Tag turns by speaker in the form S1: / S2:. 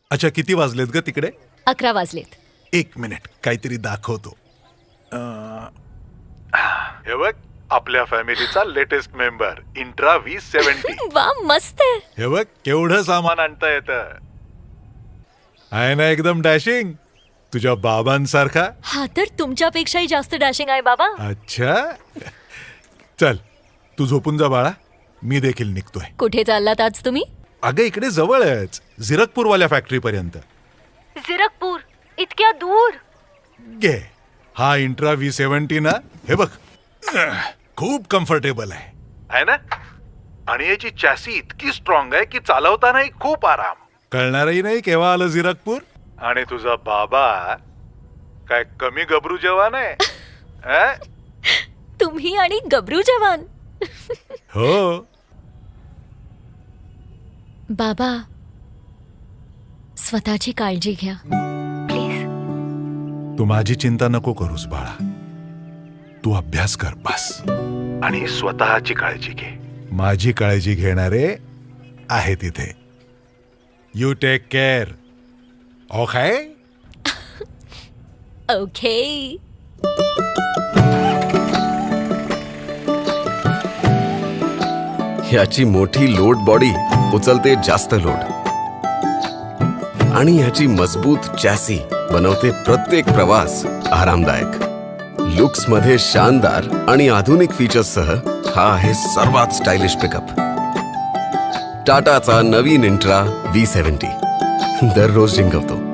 S1: अच्छा, किती वाजलेत ग तिकडे?
S2: 11 वाजलेत.
S1: एक मिनिट, काहीतरी दाखवतो. हे बघ, आपल्या फॅमिलीचा लेटेस्ट मेंबर इंट्रा V70.
S2: वा, मस्त आहे.
S1: हे बघ केवढं सामान आणता येतं. आहे ना एकदम डॅशिंग, तुझ्या बाबांसारखा.
S2: हा तर तुमच्यापेक्षाही जास्त डॅशिंग आहे बाबा.
S1: अच्छा, चल तू झोपून जा बाळा, मी देखील निघतोय.
S2: कुठे चाललात आज तुम्ही?
S1: अगं इकडे जवळच, झिरकपूरवाल्या फॅक्टरी पर्यंत.
S2: झिरकपूर? इतक्या दूर?
S1: घे, हा इंट्रा V70 ना, हे बघ खूप कम्फर्टेबल आहे ना, आणि याची चॅसी इतकी स्ट्रॉंग आहे की चालवतानाही खूप आराम. कळणारही नाही केव्हा आलं झिरकपूर. आणि तुझा बाबा काय कमी गबरू जवान आहे? अं?
S2: तुम्ही आणि गबरू जवान.
S1: हो.
S2: बाबा, स्वतःची काळजी घ्या प्लीज.
S1: तू माझी चिंता नको करूस बाळा, तू अभ्यास कर बस आणि स्वतःची काळजी घे. माझी काळजी घेणारे आहे तिथे. You take care. Okay.
S2: Okay.
S3: ह्याची मोठी लोड बॉडी उचलते जास्त लोड, आणि ह्याची मजबूत चॅसी बनवते प्रत्येक प्रवास आरामदायक. लुक्स मध्ये शानदार आणि आधुनिक फीचर्ससह हा आहे सर्वात स्टायलिश पिकअप. टाटाचा नवीन इंट्रा V70 दररोज जिंकवतो.